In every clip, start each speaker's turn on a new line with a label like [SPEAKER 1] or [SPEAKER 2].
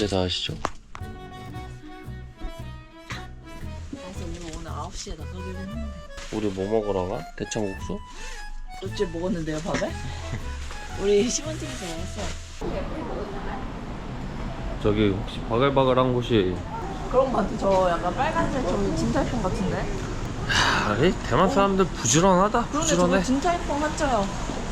[SPEAKER 1] 언제 다 하시죠?
[SPEAKER 2] 그래서 우리 오늘 9시에 나가기로 했는데
[SPEAKER 1] 우리 뭐 먹으러 가? 대창국수?
[SPEAKER 2] 어째 먹었는데요 밥에? 우리 시원집에서 먹었어.
[SPEAKER 1] 저기 혹시 바글바글한 곳이
[SPEAKER 2] 그런 거 같아. 저 약간 빨간색 저기 진달팽 같은데?
[SPEAKER 1] 야, 이 대만 사람들 부지런하다.
[SPEAKER 2] 그런데 저거
[SPEAKER 1] 부지런해.
[SPEAKER 2] 진달팽 한자요.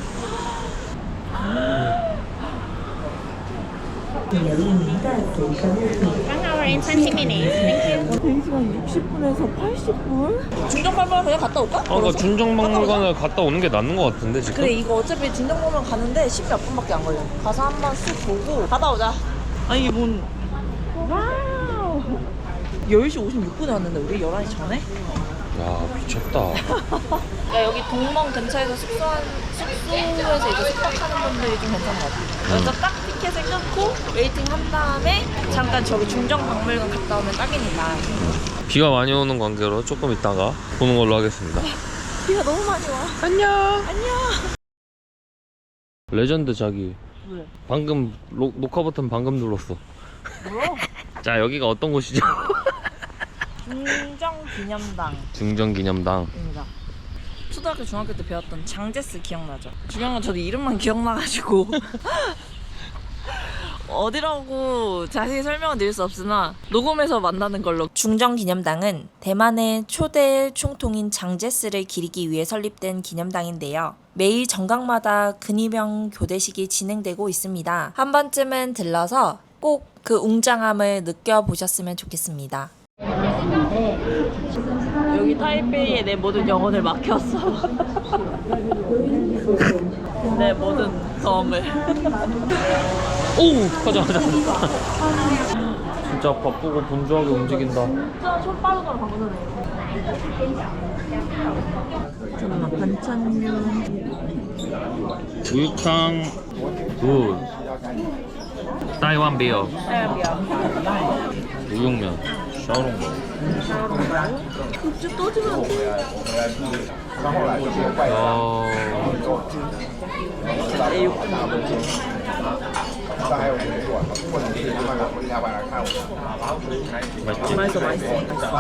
[SPEAKER 3] 1 in 20 minutes. Thank you.
[SPEAKER 2] 대기시간 60분에서 80분? 중정박물관 그냥 갔다 올까?
[SPEAKER 1] 아까 중정박물관을 갔다 오는 게 낫는 것 같은데 지금?
[SPEAKER 2] 그래 이거 어차피 진정박물관 가는데 10몇 분밖에 안 걸려. 가서 한번 쓱 보고 갔다 오자. 아니 이게 뭔 와우 10시 56분에 왔는데 우리 11시 전에?
[SPEAKER 1] 야 미쳤다.
[SPEAKER 2] 야 여기 동멍 근처에서 숙소에서 이제 숙박하는 분들이 좀 괜찮은 것 같아. 여기서 딱 티켓을 끊고 웨이팅 한 다음에 잠깐 저기 중정박물관 갔다 오면 딱이니까.
[SPEAKER 1] 비가 많이 오는 관계로 조금 있다가 보는 걸로 하겠습니다.
[SPEAKER 2] 비가 너무 많이 와.
[SPEAKER 1] 안녕.
[SPEAKER 2] 안녕.
[SPEAKER 1] 레전드 자기.
[SPEAKER 2] 왜?
[SPEAKER 1] 방금 녹화 버튼 방금 눌렀어.
[SPEAKER 2] 뭐야?
[SPEAKER 1] 자 여기가 어떤 곳이죠?
[SPEAKER 2] 중정기념당.
[SPEAKER 1] 중정기념당입니다.
[SPEAKER 2] 초등학교 중학교 때 배웠던 장제스 기억나죠? 중요한 건 저도 이름만 기억나가지고 어디라고 자세히 설명은 드릴 수 없으나 녹음해서 만나는 걸로. 중정기념당은 대만의 초대 총통인 장제스를 기리기 위해 설립된 기념당인데요. 매일 정각마다 근위병 교대식이 진행되고 있습니다. 한 번쯤은 들러서 꼭 그 웅장함을 느껴보셨으면 좋겠습니다. 여기 타이베이에 내 모든 영혼을 맡겼어. 내 모든 덤을.
[SPEAKER 1] 오! 가자. 진짜 바쁘고 분주하게 움직인다.
[SPEAKER 2] 진짜 손 빠르더라 방금 전에. 잠깐만 반찬류.
[SPEAKER 1] 우육탕 굿. 타이완 비어. 우육면. 샤오롱.
[SPEAKER 2] 급주 떠주면 안 돼.
[SPEAKER 1] 맛있지?
[SPEAKER 2] 맛있어 맛있어.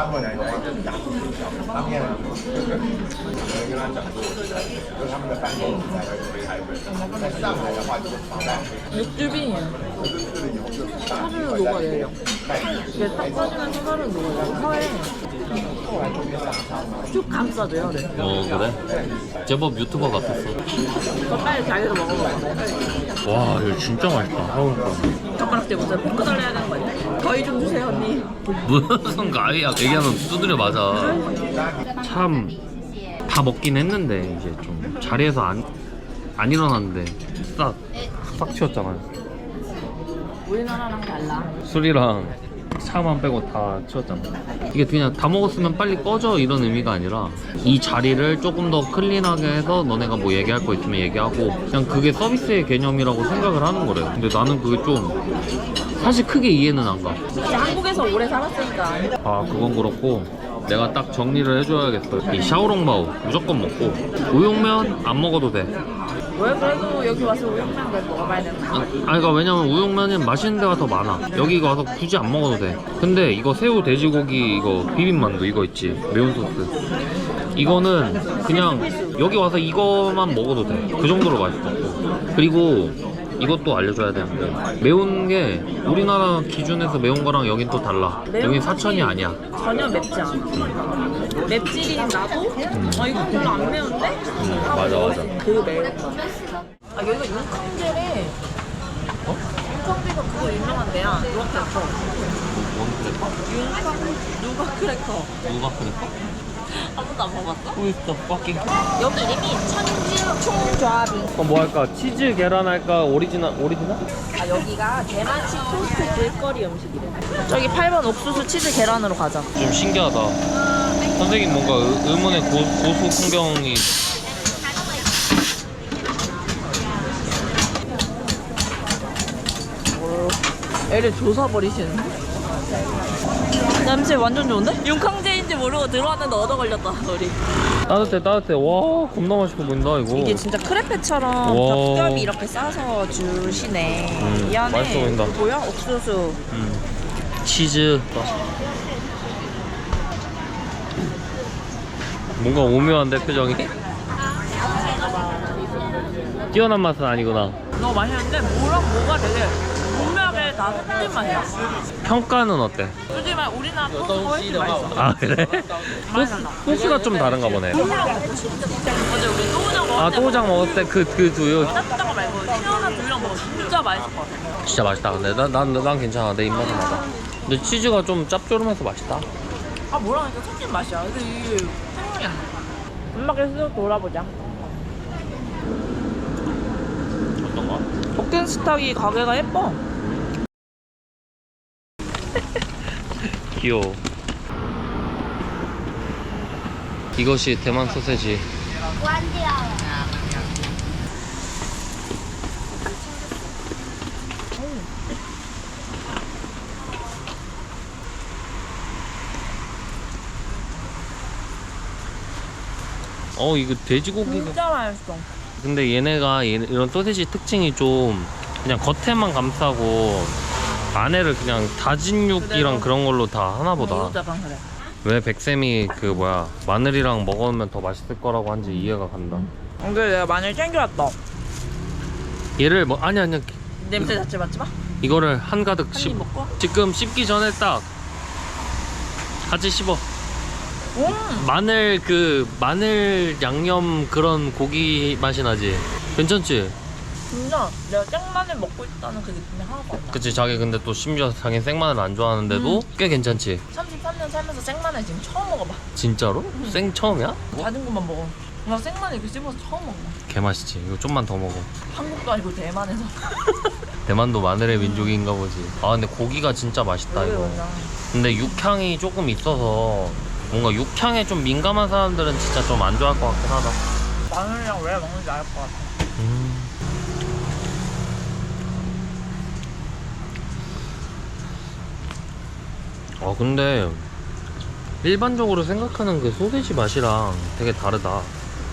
[SPEAKER 2] 육즙이 사르르 녹아내려. 이게 딱 빠지면 사르르 녹아내려. 혀에 쭉 감싸줘요. 그래.
[SPEAKER 1] 그래? 제법 유튜버 같았어.
[SPEAKER 2] 그거 빨리 자기도 먹어봐.
[SPEAKER 1] 와 이거 진짜 맛있다.
[SPEAKER 2] 젓가락질 못해 볶아 달래야 되는 거 아니야? 거의 좀 주세요 언니.
[SPEAKER 1] 무슨 가위야? 얘기하면 두드려 맞아. 참 다 먹긴 했는데 이제 좀 자리에서 안 일어났는데 싹 치웠잖아요.
[SPEAKER 2] 우리나라랑 달라.
[SPEAKER 1] 술이랑 차만 빼고 다 치웠잖아. 이게 그냥 다 먹었으면 빨리 꺼져 이런 의미가 아니라 이 자리를 조금 더 클린하게 해서 너네가 뭐 얘기할 거 있으면 얘기하고 그냥 그게 서비스의 개념이라고 생각을 하는 거래. 근데 나는 그게 좀 사실 크게 이해는 안 가.
[SPEAKER 2] 한국에서 오래 살았으니까.
[SPEAKER 1] 아 그건 그렇고 내가 딱 정리를 해줘야겠어. 이 샤오롱바오 무조건 먹고 우육면 안 먹어도 돼.
[SPEAKER 2] 왜 그래도 여기 와서 우육면 왜 먹어봐야 되나?
[SPEAKER 1] 그러니까 왜냐면 우육면은 맛있는 데가 더 많아. 여기 와서 굳이 안 먹어도 돼. 근데 이거 새우 돼지고기 이거 비빔만두 이거 있지 매운 소스 이거는 그냥 여기 와서 이거만 먹어도 돼. 그 정도로 맛있어. 그리고 이것도 알려줘야 되는데 매운 게 우리나라 기준에서 매운 거랑 여긴 또 달라. 여긴 사천이 아니야.
[SPEAKER 2] 전혀 맵지 않아. 맵찔이 나도 이거 별로 안 매운데?
[SPEAKER 1] 맞아.
[SPEAKER 2] 그 매운 거. 여기가 윤캉제래. 윤캉제가 그거 유명한 데야. 누가 크래커.
[SPEAKER 1] 뭔 크래커?
[SPEAKER 2] 누가 크래커.
[SPEAKER 1] 누가 크래커?
[SPEAKER 2] 한 번도 안 먹어봤어?
[SPEAKER 1] 후이스터 빡킹.
[SPEAKER 2] 여기 이름이 천진총조합인.
[SPEAKER 1] 뭐 할까? 치즈 계란 할까? 오리지널?
[SPEAKER 2] 여기가 대만식 토스트 길거리 음식이래. 저기 8번 옥수수 치즈 계란으로 가자.
[SPEAKER 1] 좀 신기하다. 선생님 뭔가 의문의 고수 풍경이.
[SPEAKER 2] 애를 조사버리시는데? 냄새 완전 좋은데? 윤캉제인지 모르고 들어왔는데 얻어 걸렸다 우리.
[SPEAKER 1] 따뜻해. 와, 겁나 맛있어 보인다 이거.
[SPEAKER 2] 이게 진짜 크레페처럼
[SPEAKER 1] 와.
[SPEAKER 2] 겹겹이 이렇게 싸서 주시네. 이 안에
[SPEAKER 1] 맛있어 보인다.
[SPEAKER 2] 뭐야? 옥수수.
[SPEAKER 1] 치즈. 뭔가 오묘한데 표정이? 뛰어난 맛은 아니구나.
[SPEAKER 2] 너무 맛있는데 뭐랑 뭐가 되게 분명하게 다 섞인 맛이야.
[SPEAKER 1] 평가는 어때?
[SPEAKER 2] 솔직히 우리나라 소스가 훨씬 맛있어.
[SPEAKER 1] 아 그래?
[SPEAKER 2] 많이 달라.
[SPEAKER 1] 소스가 좀 다른가 보네.
[SPEAKER 2] 어제 우리 또우장 먹을
[SPEAKER 1] 아
[SPEAKER 2] 때
[SPEAKER 1] 또우장 먹을 때 그 두유
[SPEAKER 2] 따뜻한 거 말고 시원한 두유랑 먹으면 진짜 맛있을 것 같아.
[SPEAKER 1] 진짜 맛있다. 근데 난 괜찮아. 내 입맛에 맞아. 근데 치즈가 좀 짭조름해서 맛있다.
[SPEAKER 2] 아 뭐랑 이렇게 섞인 맛이야. 근데 이게 생각이 안 나. 엄마 계속 돌아보자.
[SPEAKER 1] 어떤 거?
[SPEAKER 2] 버켄스탁이 가게가 예뻐.
[SPEAKER 1] 귀여워. 이것이 대만 소세지. 이거 돼지고기가.
[SPEAKER 2] 진짜 맛있어.
[SPEAKER 1] 근데 얘네가 이런 소세지 특징이 좀 그냥 겉에만 감싸고 안에를 그냥 다진 육이랑 그런 걸로 다 하나 보다.
[SPEAKER 2] 이것도 약간 그래.
[SPEAKER 1] 왜 백쌤이 그 뭐야 마늘이랑 먹으면 더 맛있을 거라고 한지 이해가 간다.
[SPEAKER 2] 근데 내가 마늘 챙겨왔다.
[SPEAKER 1] 얘를 뭐 아니
[SPEAKER 2] 냄새 자체 맡지 마.
[SPEAKER 1] 이거를 한가득
[SPEAKER 2] 한 입 먹고.
[SPEAKER 1] 지금 씹기 전에 딱 같이 씹어. 마늘 양념 그런 고기 맛이 나지. 괜찮지?
[SPEAKER 2] 진짜 내가 생마늘 먹고 있다는 그 느낌이 하나도 안 나.
[SPEAKER 1] 그치. 자기 근데 또 심지어 자기 생마늘 안 좋아하는데도 꽤 괜찮지.
[SPEAKER 2] 33년 살면서 생마늘 지금 처음 먹어봐.
[SPEAKER 1] 진짜로? 생 처음이야?
[SPEAKER 2] 다른 것만 먹어. 나 생마늘 이렇게 씹어서 처음 먹어.
[SPEAKER 1] 개 맛있지. 이거 좀만 더 먹어.
[SPEAKER 2] 한국도 아니고 대만에서.
[SPEAKER 1] 대만도 마늘의 민족인가 보지. 아 근데 고기가 진짜 맛있다 이거.
[SPEAKER 2] 맞아.
[SPEAKER 1] 근데 육향이 조금 있어서 뭔가 육향에 좀 민감한 사람들은 진짜 좀 안 좋아할 것 같긴 하다.
[SPEAKER 2] 마늘이랑 왜 먹는지 알 것 같아.
[SPEAKER 1] 근데 일반적으로 생각하는 그 소세지 맛이랑 되게 다르다.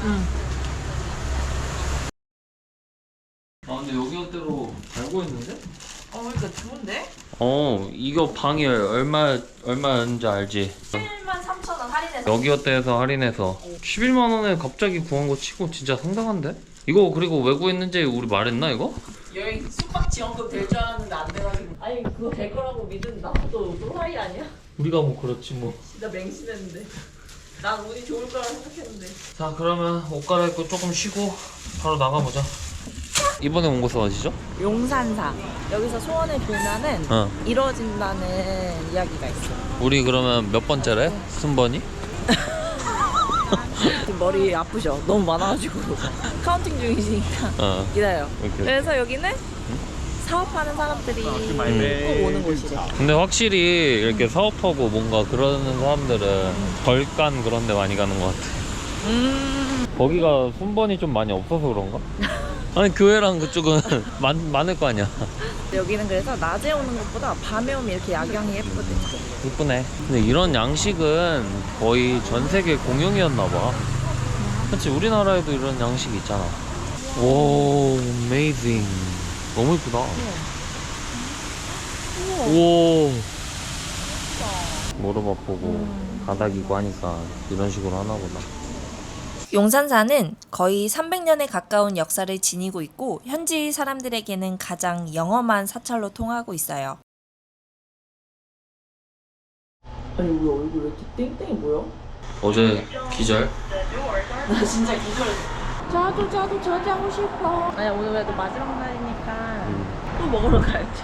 [SPEAKER 1] 근데 여기 어때로 알고 있는데?
[SPEAKER 2] 그러니까 좋은데?
[SPEAKER 1] 이거 방이 얼마였는지 알지?
[SPEAKER 2] 13,000원 할인해서.
[SPEAKER 1] 여기 어때에서 할인해서 11만 원에 갑자기 구한 거 치고 진짜 상당한데? 이거 그리고 왜 구했는지 우리 말했나 이거?
[SPEAKER 2] 여행 숙박 지원금 될 줄 알았는데 안 돼가지고. 아니 그거 될 거라고 믿은 나도 또라이 아니야?
[SPEAKER 1] 우리가 뭐 그렇지 뭐.
[SPEAKER 2] 진짜 맹신했는데. 난 운이 좋을 거라 생각했는데.
[SPEAKER 1] 자 그러면 옷 갈아입고 조금 쉬고 바로 나가보자. 이번에 온 곳은 어디죠?
[SPEAKER 2] 용산사. 여기서 소원을 빌면은 이루어진다는 이야기가 있어.
[SPEAKER 1] 우리 그러면 몇 번째래? 순번이?
[SPEAKER 2] 지금 머리 아프셔. 너무 많아가지고 카운팅 중이시니까 기다려.
[SPEAKER 1] 오케이.
[SPEAKER 2] 그래서 여기는 사업하는 사람들이 꼭 오는 곳이래.
[SPEAKER 1] 근데 확실히 이렇게 사업하고 뭔가 그러는 사람들은 벌간 그런 데 많이 가는 것 같아. 거기가 순번이 좀 많이 없어서 그런가? 아니 교회랑 그쪽은 많을 거 아니야.
[SPEAKER 2] 여기는 그래서 낮에 오는 것보다 밤에 오면 이렇게 야경이 예쁘대.
[SPEAKER 1] 이쁘네. 근데 이런 양식은 거의 전 세계 공용이었나 봐. 그치 우리나라에도 이런 양식이 있잖아. 오, amazing. 너무 이쁘다. 오. 모로바 보고 바닥이고 하니까 이런 식으로 하나 보다.
[SPEAKER 2] 용산사는 거의 300년에 가까운 역사를 지니고 있고 현지 사람들에게는 가장 영험한 사찰로 통하고 있어요. 아니 우리 얼굴 왜 이렇게 땡땡이 보여?
[SPEAKER 1] 어제 기절?
[SPEAKER 2] 나 진짜 기절했어. 저도 저자고 싶어. 아니 오늘 그래도 마지막 날이니까 또 먹으러 가야지.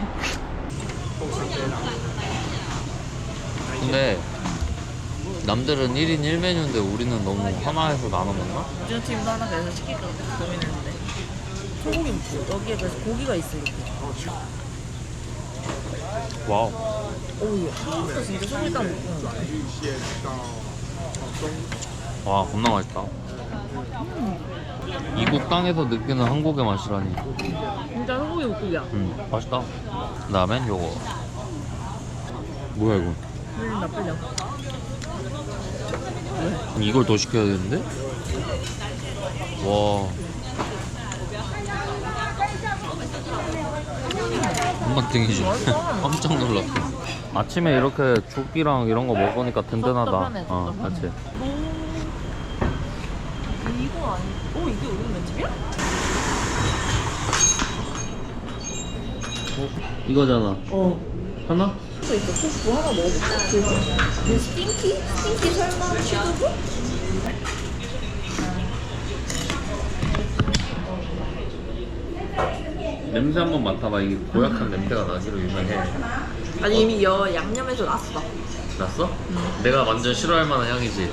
[SPEAKER 1] 근데 남들은 1인 1메뉴인데 우리는 너무 하나에서 나눠 먹나?
[SPEAKER 2] 우주 팀도 하나 그래서 시킬까 고민했는데 소고기 먹고 여기에 그래서 고기가 있어 이렇게.
[SPEAKER 1] 와우.
[SPEAKER 2] 오우 이거 진짜 소고기 딱 먹고.
[SPEAKER 1] 와 겁나 맛있다. 이국 땅에서 느끼는 한국의 맛이라니.
[SPEAKER 2] 진짜 소고기 묵국이야.
[SPEAKER 1] 맛있다. 그 다음엔 요거. 뭐야 이거?
[SPEAKER 2] 풀린다 풀려.
[SPEAKER 1] 이걸 더 시켜야 되는데? 와. 한번등이지. 깜짝 놀랐어. 아침에 이렇게 죽이랑 이런 거 먹으니까 든든하다.
[SPEAKER 2] 답답하네,
[SPEAKER 1] 어,
[SPEAKER 2] 답답하네.
[SPEAKER 1] 그렇지.
[SPEAKER 2] 이거 아니? 오 이게 우리 면집이야?
[SPEAKER 1] 이거잖아.
[SPEAKER 2] 어.
[SPEAKER 1] 하나?
[SPEAKER 2] 또 있어. 소스 하나 먹어볼까? 그 스팅키? 스팅키 설마 취두부?
[SPEAKER 1] 냄새 한번 맡아봐. 이게 고약한 냄새가 나기로 유명해.
[SPEAKER 2] 아니 이미 양념에서 났어.
[SPEAKER 1] 났어? 내가 완전 싫어할 만한 향이지.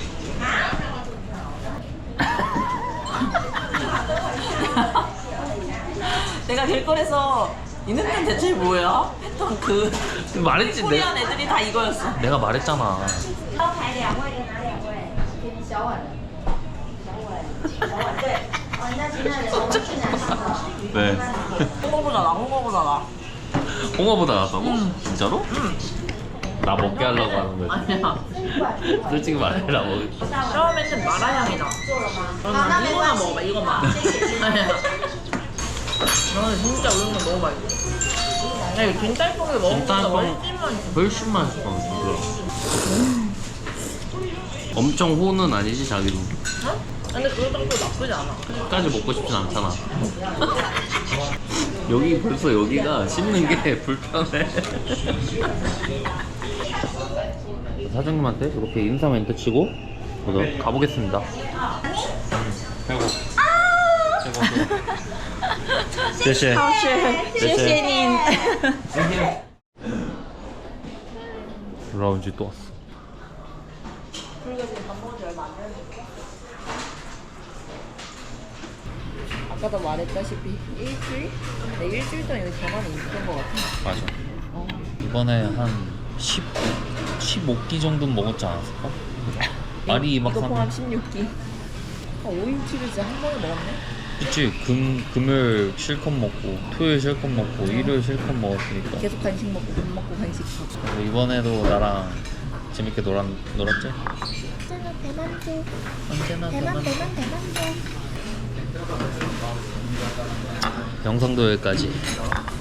[SPEAKER 2] 내가 길거리에서 이 냄새는 대체 뭐야? 했던 그
[SPEAKER 1] 말했지.
[SPEAKER 2] 코리안 애들이 다 이거였어.
[SPEAKER 1] 내가 말했잖아.
[SPEAKER 3] 招牌2位跟哪2位？给你小碗的。小碗。小碗对。哦，那其他人我们去哪吃的？
[SPEAKER 1] 왜?
[SPEAKER 2] 홍어보다 홍어보다
[SPEAKER 1] 홍어보다 낫다고? 진짜로? 나 먹게 하려고 하는 거지.
[SPEAKER 2] 아니야.
[SPEAKER 1] 솔직히 말해라. 먹을.
[SPEAKER 2] 처음에는 마라향이 나. 그러면 이거나 먹어봐. 이거만. 아니야. 나는 진짜 우는 거 너무 맛있어. 야, 이거 김달콩을 먹으니까
[SPEAKER 1] 김달콩 훨씬 맛있어. 진짜. 엄청 호는 아니지 자기도.
[SPEAKER 2] 어? 근데 그렇다고 나쁘지 않아.
[SPEAKER 1] 끝까지 먹고 싶진 않잖아. 여기 벌써 여기가 씹는 게 불편해. 사장님한테 이렇게 인사 멘트 치고 가보겠습니다. 배고.谢谢.
[SPEAKER 2] 谢谢您.
[SPEAKER 1] 라운지 또 왔어.
[SPEAKER 2] 아까도 말했다시피 일주일? 네, 일주일 동안 여기 대만에 있던 것 같아.
[SPEAKER 1] 맞아. 이번에 한 15끼 정도는 먹었지 않았을까? 말이 막
[SPEAKER 2] 이거 포함 16끼. 5일치를 진짜 한 번에 먹었네?
[SPEAKER 1] 그치. 금요일 실컷 먹고 토요일 실컷 먹고 일요일 실컷 먹었으니까.
[SPEAKER 2] 계속 간식 먹고 밥 먹고 간식 먹고.
[SPEAKER 1] 그리고 이번에도 나랑 재밌게 놀았지?
[SPEAKER 3] 언제나 대만족.
[SPEAKER 1] 언제나
[SPEAKER 3] 대만족.
[SPEAKER 1] 영상도 여기까지.